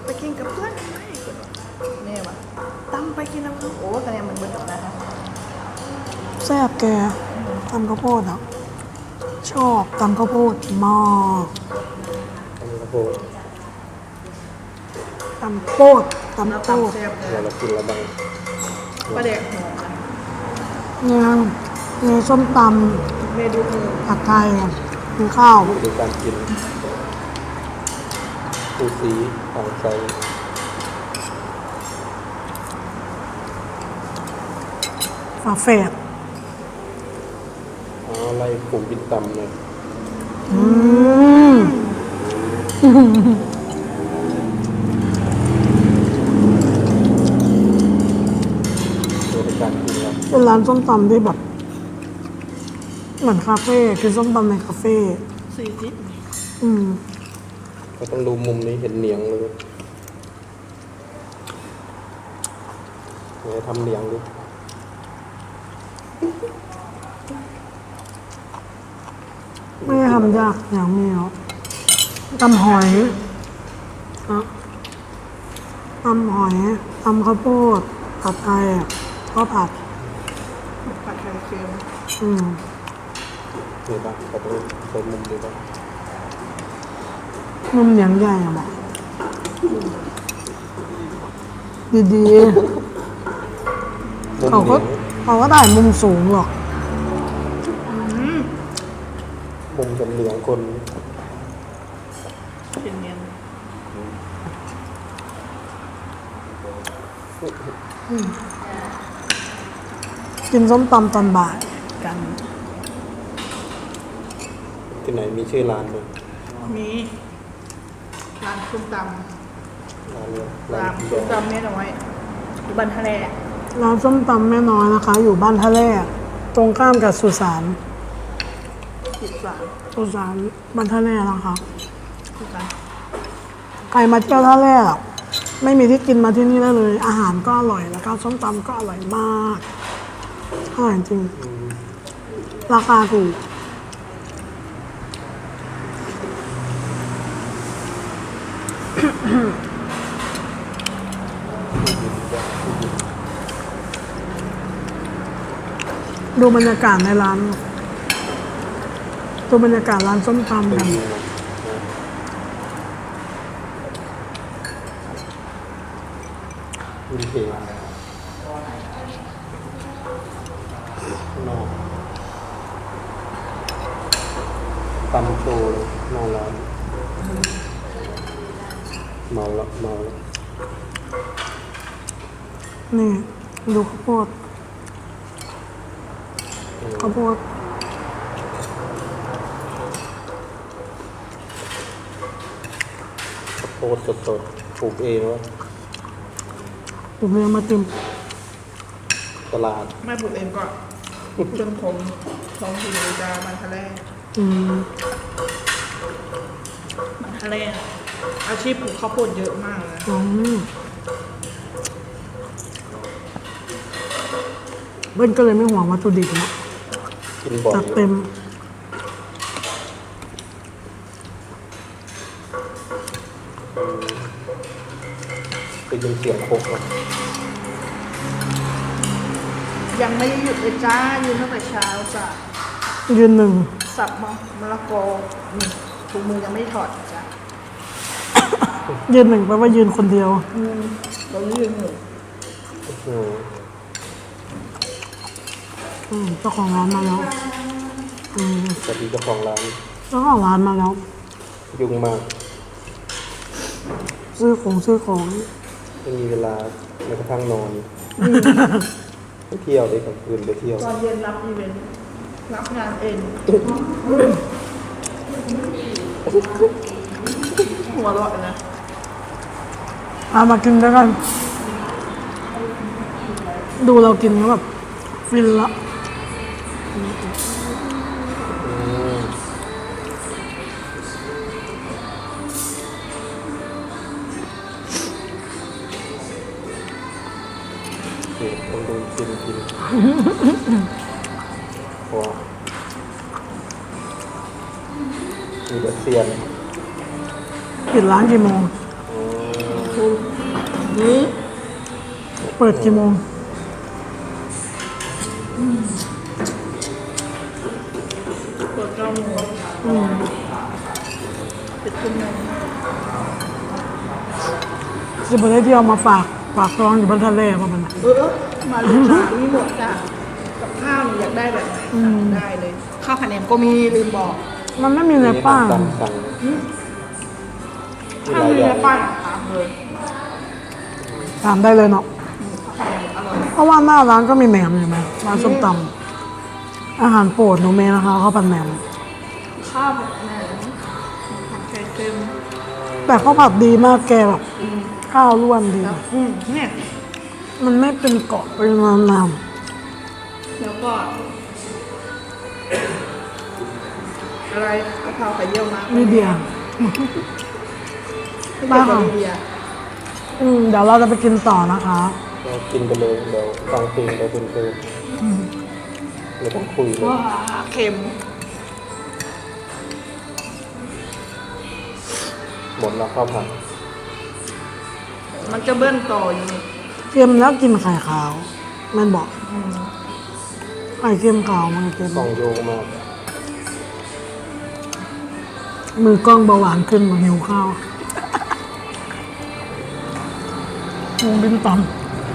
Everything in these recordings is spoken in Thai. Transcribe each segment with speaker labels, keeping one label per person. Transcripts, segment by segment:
Speaker 1: ไปกินกับเพื่อนไหมแม่วะตั้มไปกินน้ำข้าวโอ้แต่เนี่ยมันเบิร์ดนะคะ
Speaker 2: แซ่บแกตำข้าวโพดอ่ะชอบตำข้าวโพดมาก
Speaker 3: อันนี้ก็โพด
Speaker 2: ตำโพดตำ
Speaker 1: น้ำ
Speaker 2: โพ
Speaker 1: ตำ
Speaker 2: ด
Speaker 1: แซ่บเลย
Speaker 3: เดี๋ยวเรากินแล้วบ้าง
Speaker 1: ปลาแดกหอมนะ
Speaker 2: เนี่ยมีส้มต
Speaker 1: เมนูอื่น
Speaker 2: ำผัดไทยมีข้าว
Speaker 3: ดูการกินสูสีของใจ
Speaker 2: ฝาแฝด
Speaker 3: อะไรผูกบินตำเลย
Speaker 2: อืม
Speaker 3: ดูในการกินแล้ว
Speaker 2: เป็นร้านส้มตำที่แบบ เหมือนคาเฟ่คือส้มตำในคาเฟ่
Speaker 1: 40
Speaker 2: อืม
Speaker 3: ก็ต้องดูมุมนี้เห็นเหนียงเลยเนี่ยทำเหนียงดู
Speaker 2: ไม่ได้ทำยากอย่างนี้หรอกตำหอยอะตำหอยตำข้าวโพดผัดไทยอะก็ผัด
Speaker 1: ผัดไข่เค็ม
Speaker 2: อืม
Speaker 3: นี่บ้างก็ต้องใช้มุมดูบ้าง
Speaker 2: มุมเหนียงใหญ่อะบอกดี
Speaker 3: มุ
Speaker 2: ๆ
Speaker 3: ม
Speaker 2: เขา
Speaker 3: เหนี
Speaker 2: ก็
Speaker 3: ยง
Speaker 2: เขาก็ได้มุมสูงหรอก
Speaker 3: มุมจะเหนียงคน
Speaker 1: เป็นเนียน
Speaker 2: กินส้มตำตอนบ่าย
Speaker 1: กัน
Speaker 3: ที่ไหนมีชื่อร้านไหม
Speaker 1: มีร้านส้มต
Speaker 3: ร้านเนี่ย
Speaker 1: ำร้านส้มตำแม่น้อยอยู่บันทะเล
Speaker 2: ร้านส้มตำแม่น้อยนะคะ อยู่บ้านท่าแร่ตรงข้ามกับสุสาน
Speaker 1: สุดสาน
Speaker 2: สุสานบ้านท่าแร่นะคะ
Speaker 1: สุดสาน
Speaker 2: ใครมาเที่ยวท่าแร่อะไม่มีที่กินมาที่นี่ได้เลย อาหารก็อร่อยแล้วก็ส้มตำก็อร่อยมากอร่อยจริง ราคาถูก ดูบรรยากาศในร้านดูบรรยากาศร้านส้มตำ
Speaker 3: ไป
Speaker 2: กัน
Speaker 3: ดูนะวินเทจนอกตำโชว์เลยหน้าร้านเมาแล้วเมาแล้ว
Speaker 2: นี่ ดูข้าวโพดข้าวโพด
Speaker 3: ข้าวโพดสดๆปลูกเองวะ
Speaker 2: ผมเรียงมาติม
Speaker 3: ตลาด
Speaker 1: แม่ปลูกเองก็จนผมท้องถิ่นจะบันทะเล
Speaker 2: อืม
Speaker 1: บันทะเลอาชีพปลูกข้าวโพดเยอะมากเลย
Speaker 2: อืมเบิ้ลก็เลยไม่ห่วงวัตถุดิบนะ
Speaker 3: กินบ่อย
Speaker 2: จัดเต็ม
Speaker 3: ไปยินเสียงโคกอ่ะ
Speaker 1: ยังไม่ได้หยุดเลยจ้ายืนตั้งแต่เช้าจ้ะ
Speaker 2: ยืนหนึ่ง
Speaker 1: สับมะละกอนี่ถุงมือยังไม่ถอดจ้ะ
Speaker 2: ยืนหนึ่งแปลว่ายืนคนเดียว
Speaker 1: เรายืนหนึ่ง
Speaker 3: อืม
Speaker 2: เจ้าของร้านมาแล้ว
Speaker 3: สวัสดีเจ้าของร้าน
Speaker 2: เจ้าของร้านมาแล้ว
Speaker 3: ยุ่งมาก
Speaker 2: ซื้อของ
Speaker 3: ไม่มีเวลาแม้กระทั่งนอนไปเที่ยวเลยกลางคืนไปเที่ยว
Speaker 1: ตอนเย็นรับอีเวนต์รับงานเองหัวเราะนะ
Speaker 2: เอามากินด้วยกัน ดูเรากินก็แบบฟินละ
Speaker 3: ต้องดูกินเพราะว่ามีแต่เซียน
Speaker 2: ปิดร้านกี่โมง
Speaker 3: อืม
Speaker 1: ทุ่มนี้
Speaker 2: เปิดกี่โมง
Speaker 1: เปิด9 โมงปิดทุ่ม 1
Speaker 2: จะไปได้ที่เอามาฝากท้องอยู่บนทะเลป่ะมัน
Speaker 1: มาเลยจ้ามีหมดจ้ะกับข้าวนี่อยากได้แบบไหนสั่งได้เลย ข้าวผัดแหนมก็มีลืมบอก
Speaker 2: มันไม่มีในป้าย
Speaker 3: ตามสั่ง
Speaker 1: ถ้ามีในป้ายถามเลย
Speaker 2: ถามได้เลยเนาะ
Speaker 1: ข้าวผัดแหนมอร่อย
Speaker 2: เพราะว่าหน้าร้านก็มีแหนมอยู่ไหมร้านส้มตำอาหารโปรดหนูเมย์นะคะข้าวผัดแหนม
Speaker 1: ข้าวผัดแหนมผัดไข่เค็ม
Speaker 2: แต่ข้าวผัดดีมากแกแบบข้าวร่วนดี
Speaker 1: เนี่ย
Speaker 2: มันไม่เป็นเกาะเป็นน้ำ
Speaker 1: แล้วก็อะไรกะเพราไข่เยี่ยวม้า
Speaker 2: นี่เบียร์
Speaker 1: บ้าค่ะเบียร์
Speaker 2: เดี๋ยวเราจะไปกินต่อนะคะ
Speaker 3: เรากินไปเลยเดี๋ยวฟังเพลงเราเพลินๆไม่ต้องคุยเลย
Speaker 1: ว้าเค็ม
Speaker 3: หมดแล้วข้าวผัด
Speaker 1: มันจะเบิ้ลต่ออยู่นี่
Speaker 2: เค็มแล้วกินไข่ขาวแมันบอกไข่เค็มขาวมันเค็ม
Speaker 3: กล่องโยกมาก
Speaker 2: มือกล้องเบาหวานขึ้นมาหิวข้าววงบินต่ำ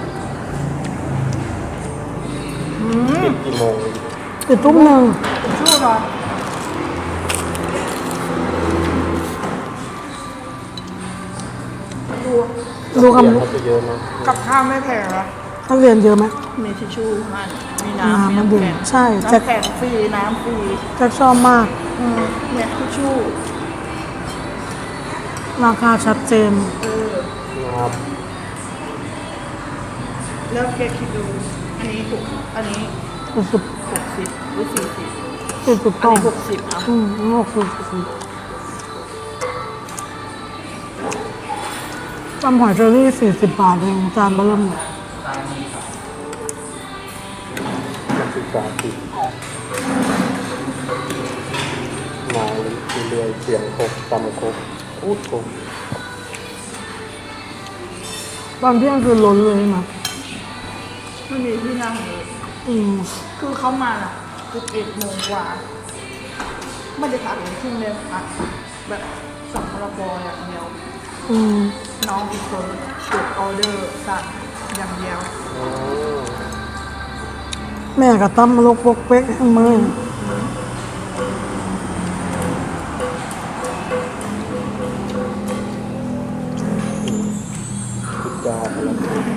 Speaker 3: ปิดกี่โมง
Speaker 2: ปิดทุ่มหนึ่ง
Speaker 1: ชื่อเหรอ
Speaker 2: ดูคำ
Speaker 3: เสียงเขาจะเยอะนะ
Speaker 1: กับข้าวไม่แพงเหรอ
Speaker 2: นักเรียนเยอะไหม
Speaker 1: มีทิชชู่มันมี
Speaker 2: น้ำ
Speaker 1: น้ำมี
Speaker 2: มัน
Speaker 1: น้ำ
Speaker 2: ดื่ม
Speaker 1: แข็ง
Speaker 2: ใช่แจ็ค
Speaker 1: น้ำแข็งฟรีน้ำฟรี
Speaker 2: แจ็คชอบมาก
Speaker 1: เนี่ยทิชชู่
Speaker 2: ราคาชัดเจน
Speaker 3: นะครับ
Speaker 1: แล้วแกคิดดูอันนี้ถูกอันนี้
Speaker 2: สุด
Speaker 1: 60หรือ40
Speaker 2: สุด
Speaker 1: อัน
Speaker 2: ต้อง
Speaker 1: นี้60อ่ะ
Speaker 2: 60ตำหอยเชอรี่40 บาทเองจานเบอร์เริ่ม
Speaker 3: นักศึกษาติดมาเรื่อยๆเสียงครบตำครบพูดครบ
Speaker 2: ตอนเที่ยงคือล้นเลยนะ
Speaker 1: ไม่มีที่นั่งเลย คือเขามาอ่ะ11 โมงกว่าไม่ได้พักถึงครึ่งเลยพักแบบสั่งพลบอย่างเดียว น้องอีกคนกดออเดอร์สั่งอย่างเดียว
Speaker 3: อ๋อ
Speaker 2: แม่กับตั้มมาลกปกเป๊กให้มือ
Speaker 3: ติดจาอะไร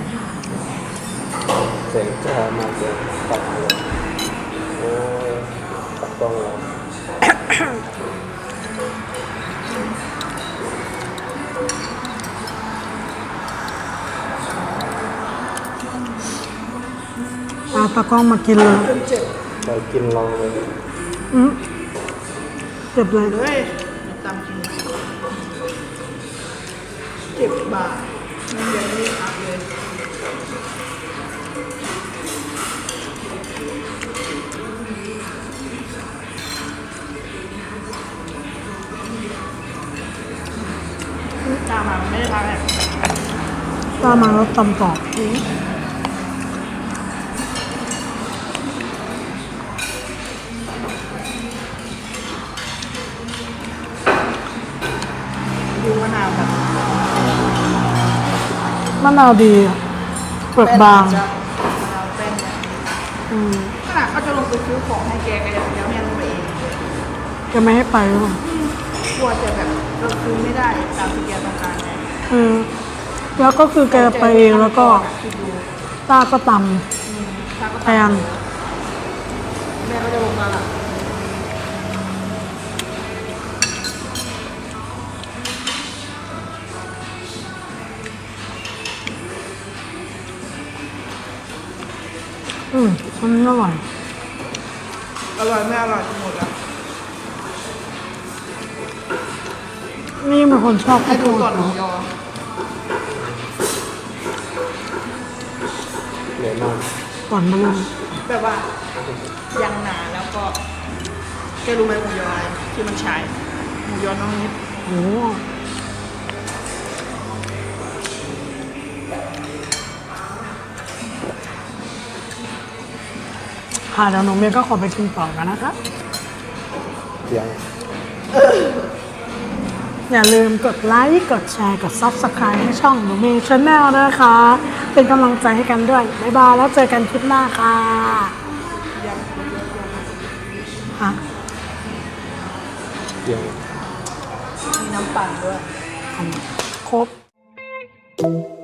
Speaker 3: เสียงจามาเสียงตัดเลยโอ้ยตัดกล้องแล้ว
Speaker 2: เอาตะกล้องมากินเลย
Speaker 3: ไปกินลองเลย
Speaker 2: เจ็บเลย
Speaker 1: เฮ้ยตามจริง10 บาทมันยังไม่ได้พักเลย ตามมาไม่ได้พักเลย
Speaker 2: ตามมาแล้วตำต่อ
Speaker 1: ดูมะนาวแบบ
Speaker 2: มะนาวดีอะเปลือกบาง
Speaker 1: มะนาวแป้งเนี่ยขนาดเขาจะลงไปซื้อของให้แกก็ยังแม่ลงไปเอง
Speaker 2: จะไม่ให้ไปหรือเปล่าก
Speaker 1: ลัวจะแบบเราซื้อไม่ได้ตามที่แกต้องการไง
Speaker 2: แล้วก็คือแกไปเองแล้วก็
Speaker 1: คิดดู
Speaker 2: ต้าก็ต
Speaker 1: ถ้าก็
Speaker 2: ำแทน
Speaker 1: แม่ก็จะลงมาละ
Speaker 2: มันอร่อย
Speaker 1: อร่อยไม่อร่อยหมดแล้ว
Speaker 2: นี่เป็นคนชอบ
Speaker 1: ให้ดูก่อนห
Speaker 2: เน
Speaker 1: มู
Speaker 2: อะ
Speaker 1: ยอ
Speaker 3: เหนื่อยมาก
Speaker 2: ก่อนมาเลย
Speaker 1: แบบว่ายังหนาแล้วก็แกรู้ไหมหมูยออะไรที่มันใช้หมูยอน้องนิด
Speaker 2: โอ้โหค่ะเดี๋ยวหนูเมย์ก็ขอไปกินต่อกันนะคะ
Speaker 3: เสียง
Speaker 2: อย่าลืมกดไลค์ กดแชร์ กด Subscribe ให้ช่องหนูเมย์ชาแนลนะคะ เป็นกำลังใจให้กันด้วย บ๊ายบาย แล้วเจอกันคลิปหน้าค่ะฮะ
Speaker 3: เสียง
Speaker 1: มีน้ำปั่นด้วย
Speaker 2: ครบ